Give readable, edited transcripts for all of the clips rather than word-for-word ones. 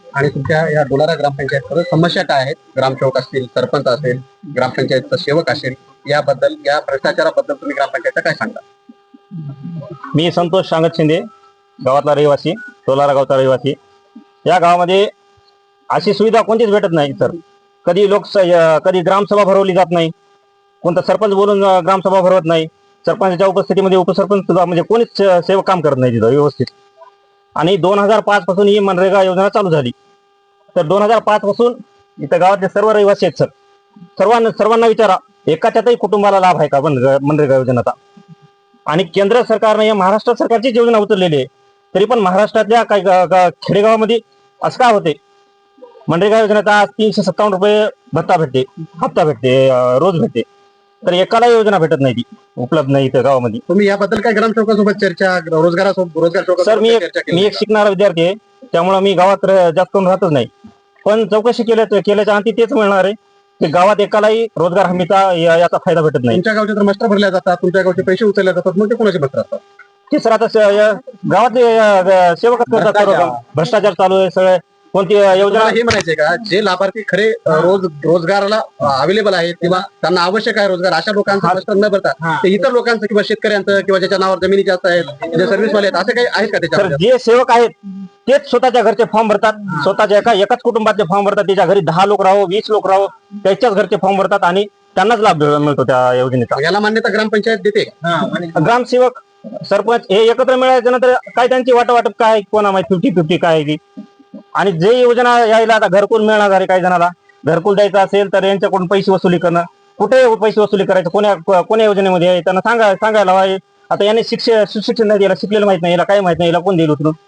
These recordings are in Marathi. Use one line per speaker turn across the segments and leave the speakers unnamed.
आणि तुमच्या या डोलारा ग्रामपंचायत समस्या काय आहेत? ग्रामसेवक असतील, सरपंच असेल, ग्रामपंचायतचा सेवक असेल, याबद्दल, या भ्रष्टाचाराबद्दल तुम्ही ग्रामपंचायतचा काय सांगता?
मी संतोष सांगत शिंदे, गावातला रहिवासी, डोलारा गावचा रहिवासी. या गावामध्ये अशी सुविधा कोणतीच भेटत नाही सर. कधी कधी ग्रामसभा भरवली जात नाही, कोणता सरपंच बोलून ग्रामसभा भरवत नाही. सरपंचाच्या उपस्थितीमध्ये उपसरपंच सुद्धा म्हणजे कोणीच सेवक काम करत नाही तिथं व्यवस्थित. आणि 2005 पासून ही मनरेगा योजना चालू झाली. तर 2005 पासून इथं गावातले सर्व रहिवासी आहेत सर. सर्वांना विचारा, एकाच्याही कुटुंबाला लाभ आहे का मनरेगा योजनेचा? आणि केंद्र सरकारने या महाराष्ट्र सरकारचीच योजना उचललेली आहे. तरी पण महाराष्ट्रातल्या काही खेडेगावामध्ये असं काय होते, मनरेगा योजनेचा आज 357 रुपये भत्ता भेटते, हप्ता भेटते, रोज भेटते. तर एकाला योजना भेटत नाही, ती उपलब्ध नाही इथं गावामध्ये.
तुम्ही याबद्दल काय ग्रामसेवकासोबत चर्चा, रोजगार
सर, मी एक शिकणारा विद्यार्थी आहे, त्यामुळे मी गावात जास्त करून राहतच नाही. पण चौकशी केल्याच्या अंती तेच मिळणार आहे की गावात एकालाही रोजगार हमीचा याचा फायदा भेटत नाही.
तुमच्या गावचे तर मस्टर भरल्या जातात, तुमच्या गावचे पैसे उचलले जातात, मग ते कोणाचे मस्टर असतात?
ते सर आता गावातले सेवकच करतात. भ्रष्टाचार चालू आहे सगळे. कोणती योजना
हे म्हणायचे का, जे लाभार्थी खरे रोजगाराला अवेलेबल आहेत किंवा त्यांना आवश्यक आहे रोजगार, अशा लोकांचं मस्टर न भरता ते इतर लोकांचं किंवा शेतकऱ्यांचं किंवा ज्याच्या नावावर जमिनी जास्त आहेत, जे सर्व्हिसवाले आहेत, असे काही आहेत का त्याच्यामध्ये?
जे सेवक आहेत तेच स्वतःच्या घरचे फॉर्म भरतात, स्वतःच्या एकाच कुटुंबातले फॉर्म भरतात. त्याच्या घरी 10 लोक राहो, 20 लोक राहो, त्याच्याच घरचे फॉर्म भरतात आणि त्यांनाच लाभ मिळतो त्या योजनेचा.
याला मान्यता ग्रामपंचायत देते?
ग्रामसेवक, सरपंच हे एकत्र मिळाल्याच्या नंतर काय त्यांची वाटप काय, कोणा माहिती 50-50 काय आहे ती. आणि जे योजना यायला आता घरकुल मिळणार आहे, काही जणाला घरकुल द्यायचं असेल तर यांच्याकडून पैसे वसुली करणं, कुठे पैसे वसुली करायचं, कोण्या योजनेमध्ये आहे त्यांना सांगायला हवं. आता याने सुशिक्षण नाही, याला शिकलेलं माहित नाही, याला काय माहित नाही, याला कोण देईल उचलून?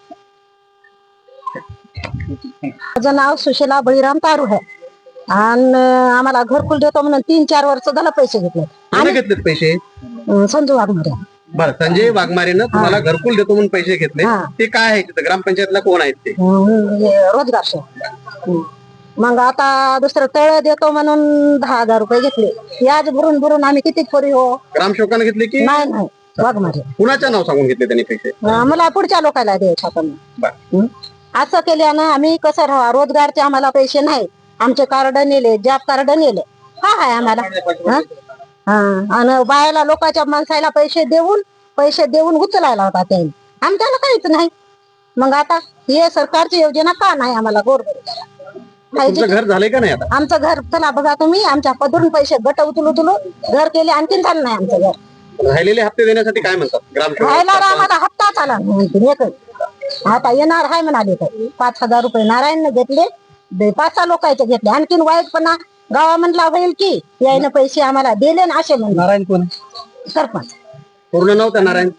माझं नाव सुशीला बळीराम तारू आहे आणि आम्हाला घरकुल देतो म्हणून 3-4 वर्ष झालं पैसे घेतले.
कोणी घेतलेत पैसे?
संजू वाघमारे.
बरं, संजय वाघमारेनं तुम्हाला घरकुल देतो म्हणून पैसे घेतले. ते काय आहे तिथं? ग्रामपंचायतला कोण आहेत ते?
रोजगार सेवक. मग आता दुसरं तळ देतो म्हणून 10,000 रुपये घेतले. व्याज भरून भरून आम्ही किती खोरी हो.
ग्रामसेवकाने घेतले की
नाही, वाघमारे.
कुणाच्या नाव सांगून घेतले त्यांनी पैसे?
मला पुढच्या लोकांना द्यायचं आपण.
बरं.
असं केल्यानं आम्ही कसं राहा, रोजगारचे आम्हाला पैसे नाही. आमचे कार्ड नेले, जॉब कार्ड नेले, हा आहे आम्हाला. आणि बायाला लोकांच्या माणसाला पैसे देऊन उचलायला होता त्यांनी, आमच्याला काहीच नाही. मग आता हे सरकारची योजना का नाही आम्हाला
तुमचं घर झालंय का नाही आता?
आमचं घर चला बघा तुम्ही, आमच्या पदरून पैसे गट उचलू घर केले, आणखीन झालं नाही आमचं घर.
राहिलेले हप्ते देण्यासाठी काय म्हणतात ग्रामसेवक?
राहिला आम्हाला हप्ता आला नाही. आता येणार आहे म्हणाले तर 5,000 रुपये नारायणने घेतले, 5-6 लोकांचे घेतले. आणखीन वाईटपणा गावामधला होईल की यायनं पैसे आम्हाला दिले ना असे म्हणून.
नारायण कोण?
सरपंच.
पूर्ण नाव त्या नारायण?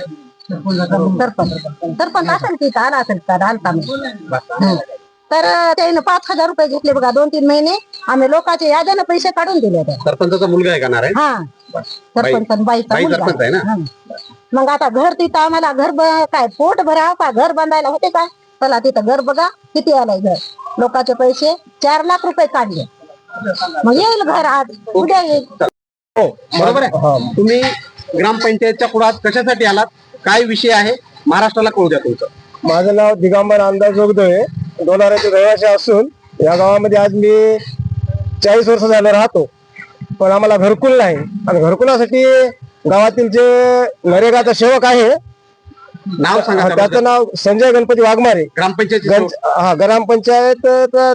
सरपंच असेल की आला असेल तर आलता. तर त्याने 5,000 रुपये घेतले बघा. 2-3 महिने आम्ही लोकांचे याद्यानं पैसे काढून दिले.
सरपंचाचा मुलगा आहे का नारायण?
हा, सरपंच बाईचा
सरपंच आहे ना.
मग आता घर तिथं आम्हाला घर काय पोट भराव का घर बांधायला होते काय? चला तिथं घर बघा किती आलाय घर. लोकांचे पैसे 4 लाख रुपये काढले. मग येईल घर आज उद्या येईल.
हो, बरोबर आहे. तुम्ही ग्रामपंचायतच्या पुढे कशासाठी आलात? काय विषय आहे महाराष्ट्राला कळू द्या तुमचं.
माझं नाव दिगंबर अंदाज जोगदोळे, डोलाऱ्याचे रहिवासी असून या गावामध्ये आज मी 40 वर्ष झालं राहतो. पण आम्हाला घरकुल नाही. आणि घरकुलासाठी गावातील जे नरेगाचा सेवक आहे,
नाव सांगा
त्याचं नाव संजय गणपती वाघमारे.
ग्रामपंचायत?
हा, ग्रामपंचायत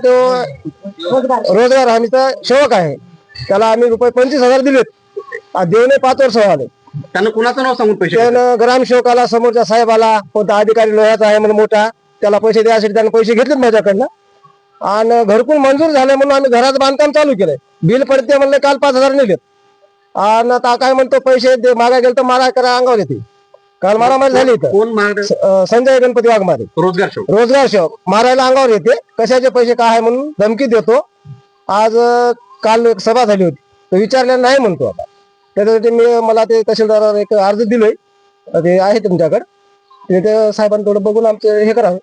रोजगार हमीचा सेवक आहे. त्याला आम्ही रुपये 25,000 दिलेत. देऊन 5 वर्ष झाले.
त्यानं कुणाचं नाव सांगून पैसे?
त्यानं ग्रामसेवकाला, समोरच्या साहेबाला, कोणता अधिकारी लोह्याचा आहे म्हणून मोठा, त्याला पैसे द्यायसाठी त्यानं पैसे घेतलेत माझ्याकडनं. आणि घरकुल मंजूर झाले म्हणून आम्ही घराचं बांधकाम चालू केलंय. बिल पडते म्हणले, काल 5,000 नेलेत. आणि आता काय म्हणतो, पैसे मागा गेलं तर मारा करा अंगावर येते. काल मारामारी झाली.
कोण?
संजय गणपती वाघमारे, रोजगार सेवक. मारायला अंगावर येते, कशाचे पैसे काय आहे म्हणून धमकी देतो. आज काल एक सभा झाली होती, तो विचारलेला नाही म्हणतो. आता त्याच्यासाठी मला ते तहसीलदारावर एक अर्ज दिलोय, ते आहे तुमच्याकडे. ते साहेबांनी थोडं बघून आमचं हे करावं.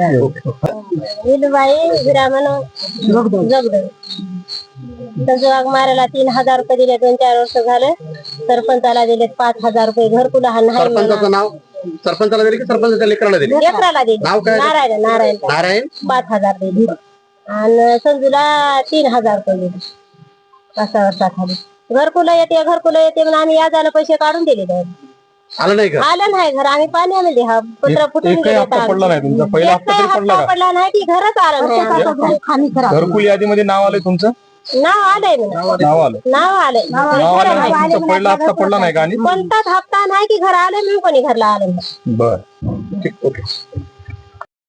मारायला 3,000 रुपये दिले. 2-4 वर्ष झाले. सरपंचाला दिले 5,000 रुपये. घरकुल
सरपंचाचं नाव? सरपंचाला दिली की सरपंचाच्या लेकराला दिली?
लेकराला दिली.
नाव काय?
नारायण नारायण
नारायण
5,000 दिली आणि संजूला 3,000 रुपये दिले 5 वर्षाखाली. घरकुलं येते म्हणून आम्ही याजाला पैसे काढून दिले त्याला.
आलं नाही का?
आलं नाही घर, आम्ही पाण्यामध्ये हा पत्र फुटून
एकही हप्ता पडला नाही तुमचा? पहिला हप्ता तरी पडला का?
पडला नाही की घरच आलं नाही.
घरकुल यादीमध्ये नाव आलंय तुमचं?
नाव आलंय म्हणा.
नाव आलं?
नाव आलंय.
नाव आलं नाही, तुमचा पहिला हप्ता पडला नाही का? आणि
कोणताच हप्ता नाही की घर आलं म्हणून कोणी घरला आलं नाही.
बर, ठीक, ओके.